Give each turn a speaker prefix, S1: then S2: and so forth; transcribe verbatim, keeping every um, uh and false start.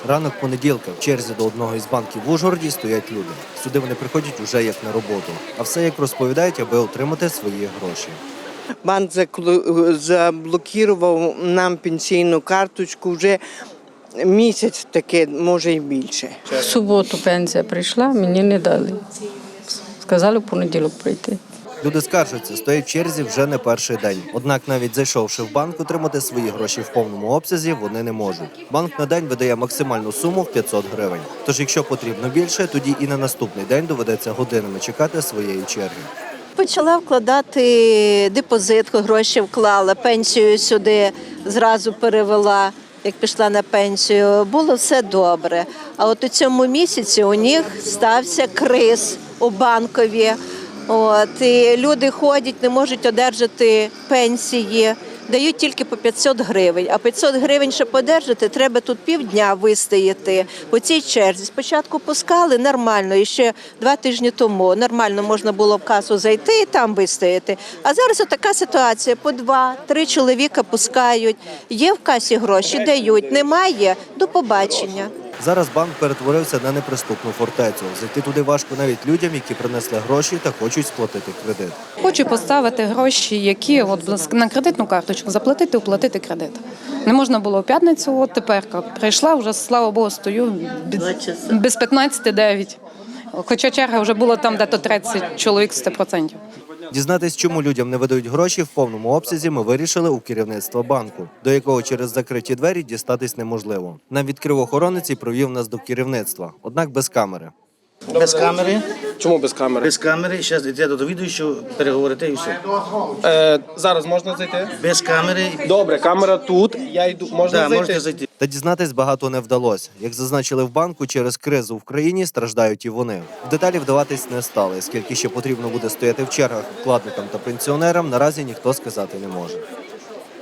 S1: Ранок понеділка. В черзі до одного із банків в Ужгороді стоять люди. Сюди вони приходять уже як на роботу. А все, як розповідають, аби отримати свої гроші.
S2: Банк заблокував нам пенсійну карточку вже місяць таке, може і більше.
S3: В суботу пенсія прийшла, мені не дали. Сказали в понеділок прийти.
S1: Люди скаржаться, стоять в черзі вже не перший день. Однак навіть зайшовши в банк, отримати свої гроші в повному обсязі вони не можуть. Банк на день видає максимальну суму в п'ятсот гривень. Тож якщо потрібно більше, тоді і на наступний день доведеться годинами чекати своєї черги.
S4: Почала вкладати депозит, гроші вклала, пенсію сюди зразу перевела, як пішла на пенсію. Було все добре. А от у цьому місяці у них стався криз у банкові. От, і люди ходять, не можуть одержати пенсії, дають тільки по п'ятсот гривень. А п'ятсот гривень, щоб одержати, треба тут півдня вистояти по цій черзі. Спочатку пускали нормально, і ще два тижні тому нормально можна було в касу зайти і там вистояти. А зараз така ситуація, по два-три чоловіка пускають, є в касі гроші, дають, немає – до побачення.
S1: Зараз банк перетворився на неприступну фортецю. Зайти туди важко навіть людям, які принесли гроші та хочуть сплатити кредит.
S5: Хочу поставити гроші, які от на кредитну карточку заплатити, оплатити кредит. Не можна було в п'ятницю, от тепер прийшла, вже, слава Богу, стою без п'ятнадцяти дев'ять. Хоча черга вже була там дето тридцять чоловік сто відсотків.
S1: Дізнатись, чому людям не видають гроші в повному обсязі, ми вирішили у керівництва банку, до якого через закриті двері дістатись неможливо. Нам відкрив охоронець і провів нас до керівництва, однак без камери.
S6: Без камери?
S7: Чому без камери?
S6: Без камери, зараз йде до довідуючого, переговорити і все.
S7: Е, зараз можна зайти?
S6: Без камери.
S7: Добре, камера тут, я йду, можна
S6: Да,
S7: зайти?
S6: можете зайти.
S1: Та дізнатись багато не вдалося. Як зазначили в банку, через кризу в країні страждають і вони. В деталі вдаватись не стали, скільки ще потрібно буде стояти в чергах вкладникам та пенсіонерам, наразі ніхто сказати не може.